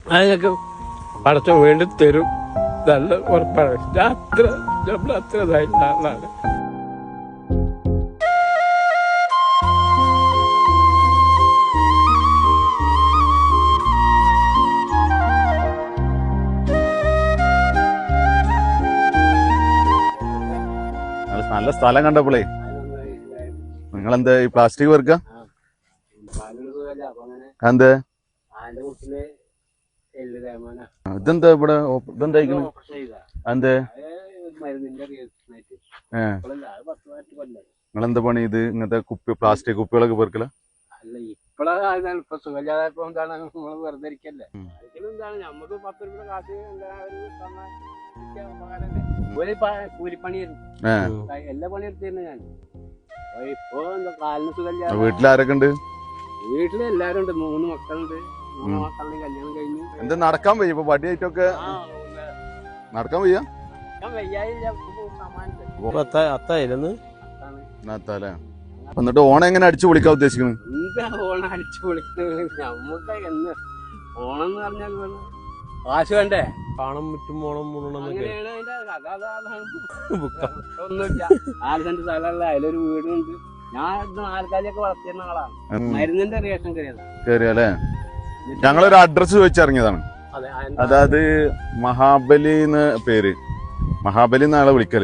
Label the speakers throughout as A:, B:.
A: അതിനൊക്കെ പടച്ചോൻ വേണ്ടി തരും. നല്ല ഉറപ്പാണ്. നമ്മളത്ര ഇതായിട്ടുള്ള ആളാണ്.
B: നല്ല സ്ഥലം കണ്ടപ്പോളേ നിങ്ങളെന്താ ഈ പ്ലാസ്റ്റിക് വെറുക്ക എന്ത് ഇതെന്താ ഇവിടെ ഇതെന്തായിക്കണ് എന്ത് നിങ്ങളെന്താ പണി ഇത് ഇങ്ങനത്തെ കുപ്പി പ്ലാസ്റ്റിക് കുപ്പികളൊക്കെ വെറുക്കല?
A: ഇപ്പൊ സുഖമില്ലാതായപ്പോ എന്താണ് നമ്മള് വെറുതെ ഇരിക്കല്ലേ. എന്താണ് നമുക്ക് 10 രൂപ കാശ് കൂലിപ്പണിയായിരുന്നു. എല്ലാ പണിയെടുത്തിരുന്നു ഞാൻ. ഇപ്പൊ എന്താ കാലിന് സുഖമില്ല.
B: വീട്ടിലാരൊക്കെ ഉണ്ട്?
A: വീട്ടില് എല്ലാരും ഉണ്ട്. 3 മക്കളുണ്ട്. 3 മക്കളുടെ കല്യാണം കഴിഞ്ഞു.
B: എന്താ നടക്കാൻ വയ്യ? ഇപ്പൊ വടിയായിട്ടൊക്കെ നടക്കാൻ വയ്യ? എന്നിട്ട് ഓണം എങ്ങനെ അടിച്ചു പൊളിക്കാൻ ഉദ്ദേശിക്കുന്നത്?
A: ഓണം അടിച്ചു പൊളിക്കുന്നത് നമുക്ക് എന്ന് ഓണം എന്ന് പറഞ്ഞാൽ കാശ് വേണ്ടേ? പണം മുറ്റും ഓണം ഒന്നുമില്ല. 4 സെന്റ് സ്ഥലമല്ല, അതിലൊരു വീടുണ്ട്. ഞാൻ 4 കാലിയൊക്കെ വളർത്തിയിരുന്ന ആളാണ്. മരുന്നിന്റെ റിയേഷൻ
B: കയറിയല്ലേ? ഞങ്ങളൊരു അഡ്രസ് ചോദിച്ചിറങ്ങിയതാണ്. അതായത് മഹാബലി എന്ന് പേര്. മഹാബലി എന്നാളെ വിളിക്കല്.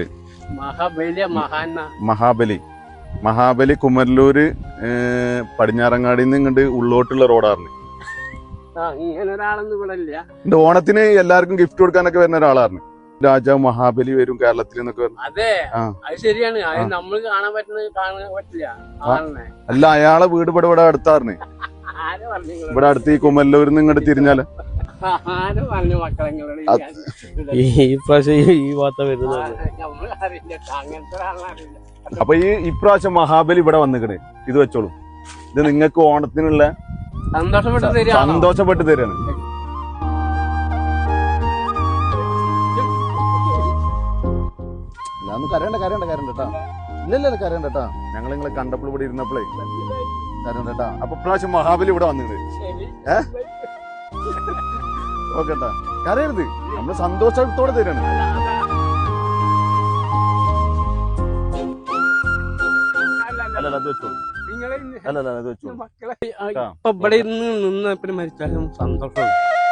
B: മഹാബലി കുമരലൂര് പടിഞ്ഞാറങ്ങാടിന്ന് ഇങ്ങോട്ട് ഉള്ളോട്ടുള്ള റോഡായിരുന്നു. ഓണത്തിന് എല്ലാവർക്കും ഗിഫ്റ്റ് കൊടുക്കാനൊക്കെ വരുന്ന ഒരാളായിരുന്നു. രാജാവ് മഹാബലി വരും കേരളത്തിൽ എന്നൊക്കെ പറഞ്ഞു.
A: അതെ, അത് ശരിയാണ്. നമ്മൾ കാണാൻ പറ്റില്ല.
B: അല്ല, അയാളെ വീട് ഇവിടെ അടുത്തായിരുന്നു. ഇവിടെ അടുത്ത് ഈ കുമരലൂരിന്ന് ഇങ്ങോട്ട് തിരിഞ്ഞാല്
A: ഈ വാർത്ത വരുന്നത്.
B: അപ്പൊ ഈ ഇപ്രാവശ്യം മഹാബലി ഇവിടെ വന്നിക്കണേ. ഇത് വെച്ചോളൂ. ഇത് നിങ്ങൾക്ക് ഓണത്തിനുള്ള സന്തോഷപ്പെട്ട് തരാണ്. കരയണ്ട കേട്ടാ. ഇല്ലല്ല കരയണ്ട കേട്ടാ. ഞങ്ങൾ നിങ്ങളെ കണ്ടപ്പോൾ ഇവിടെ ഇരുന്നപ്പോഴേ കരയണ്ട കേട്ടാ. അപ്പൊ ഇപ്രാവശ്യം മഹാബലി ഇവിടെ വന്നിട്ട് ഓക്കെട്ടാ. കരയരുത്, നമ്മള് സന്തോഷത്തോടെ തരാണ്. അല്ലല്ല അത് വെച്ചോളൂ. അല്ലല്ല അത് വെച്ചോളൂ.
A: ഇവിടെ നിന്ന് മരിച്ചാലും സന്തോഷം.